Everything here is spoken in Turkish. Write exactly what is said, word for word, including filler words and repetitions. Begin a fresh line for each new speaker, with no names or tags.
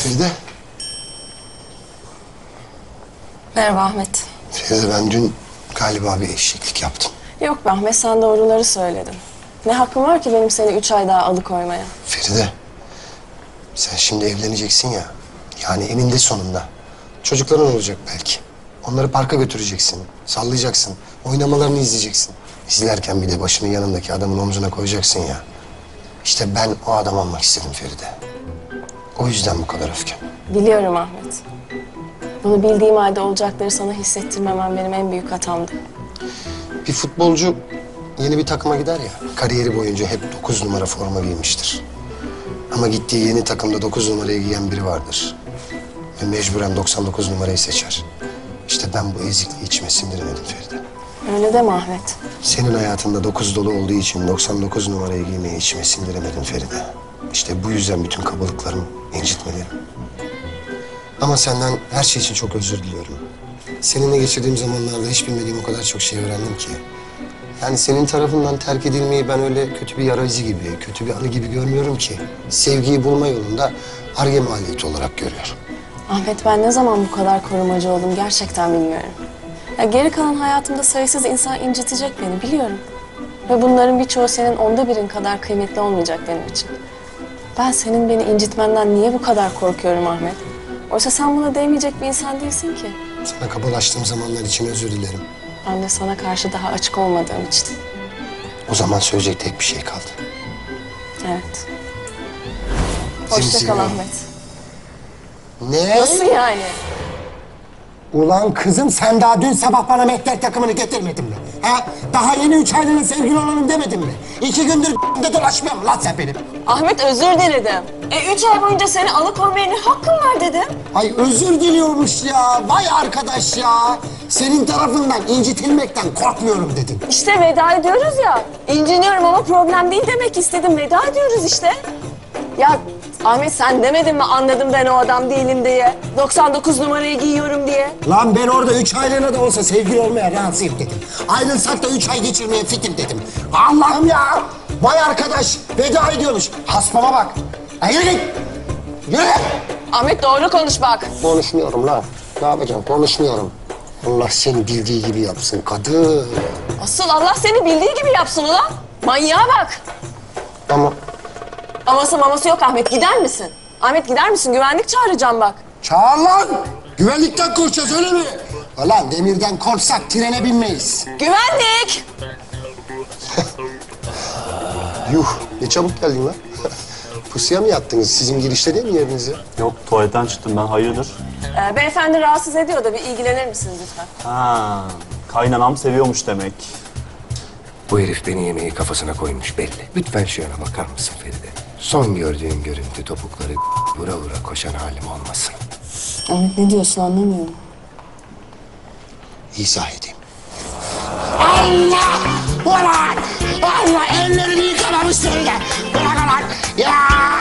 Feride.
Merhaba Ahmet.
Feride, ben dün galiba bir eşeklik yaptım.
Yok be Ahmet, sen doğruları söyledin. Ne hakkım var ki benim seni üç ay daha alıkoymaya?
Feride, sen şimdi evleneceksin ya. Yani eninde sonunda. Çocukların olacak belki. Onları parka götüreceksin, sallayacaksın, oynamalarını izleyeceksin. İzlerken bir de başını yanındaki adamın omzuna koyacaksın ya. İşte ben o adam olmak istedim Feride. O yüzden bu kadar öfkem.
Biliyorum Ahmet. Bunu bildiğim halde olacakları sana hissettirmemem benim en büyük hatamdı.
Bir futbolcu yeni bir takıma gider ya, kariyeri boyunca hep dokuz numara forma giymiştir. Ama gittiği yeni takımda dokuz numarayı giyen biri vardır. Ve mecburen doksan dokuz numarayı seçer. İşte ben bu ezikliği içime sindiremedim Feride.
Öyle deme Ahmet.
Senin hayatında dokuz dolu olduğu için doksan dokuz numarayı giymeyi içime sindiremedim Feride. İşte bu yüzden bütün kabalıklarım, incitmelerim. Ama senden her şey için çok özür diliyorum. Seninle geçirdiğim zamanlarda hiç bilmediğim o kadar çok şey öğrendim ki. Yani senin tarafından terk edilmeyi ben öyle kötü bir yara izi gibi, kötü bir anı gibi görmüyorum ki. Sevgiyi bulma yolunda Ar-Ge maliyeti olarak görüyorum.
Ahmet, ben ne zaman bu kadar korumacı oldum gerçekten bilmiyorum. Ya geri kalan hayatımda sayısız insan incitecek beni, biliyorum. Ve bunların birçoğu senin onda birin kadar kıymetli olmayacak benim için. Ben senin beni incitmenden niye bu kadar korkuyorum Ahmet? Oysa sen buna değmeyecek bir insan değilsin ki.
Sana kabalaştığım zamanlar için özür dilerim.
Ben de sana karşı daha açık olmadığım için.
O zaman söyleyecek tek bir şey kaldı.
Evet. Hoşça
Zimzime.
kal Ahmet.
Ne?
Nasıl yani?
Ulan kızım, sen daha dün sabah bana mehter takımını getirmedin mi? Ha? Daha yeni üç aylığına sevgili olalım demedin mi? İki gündür de dolaşmıyor mu lan sen benim?
Ahmet, özür diledim. E üç ay boyunca seni alıkoymaya ne hakkım var dedim.
Ay özür diliyormuş ya. Vay arkadaş ya. Senin tarafından incitilmekten korkmuyorum dedin.
İşte veda ediyoruz ya. İnciniyorum ama problem değil demek istedim. Veda ediyoruz işte. Ya Ahmet, sen demedin mi anladım ben o adam değilim diye? doksan dokuz numarayı giyiyorum diye.
Lan ben orada üç aylığına da olsa sevgili olmaya razıyım dedim. Ayrılsak da üç ay geçirmeye fikir dedim. Allah'ım ya. Vay arkadaş, veda ediyormuş. Hasbama bak. Ay yürü git. Yürü.
Ahmet, doğru konuş bak.
Konuşmuyorum lan. Ne yapacağım? Konuşmuyorum. Allah seni bildiği gibi yapsın kadın.
Asıl Allah seni bildiği gibi yapsın ulan. Manyağa bak.
Ama
Aması maması yok Ahmet, gider misin? Ahmet, gider misin? Güvenlik çağıracağım bak.
Çağır lan. Güvenlikten korkacağız öyle mi? Ulan demirden korksak trene binmeyiz.
Güvenlik!
yuh, ne çabuk geldin lan. Pusuya mı yattınız? Sizin girişte değil mi yeriniz ya?
Yok, tuvaletten çıktım ben, hayırdır?
Ee, beyefendi rahatsız ediyor da bir ilgilenir misiniz lütfen?
Ha, kaynanam seviyormuş demek.
Bu herif beni yemeği kafasına koymuş belli. Lütfen şu yana bakar mısın Feride? Son gördüğün görüntü topukları vura vura koşan halim olmasın.
Ahmet, ne diyorsun anlamıyorum.
İzah edeyim.
Allah! Ulan! Allah! Ellerini yıkamamış seni de. Bırak ulan! Ya!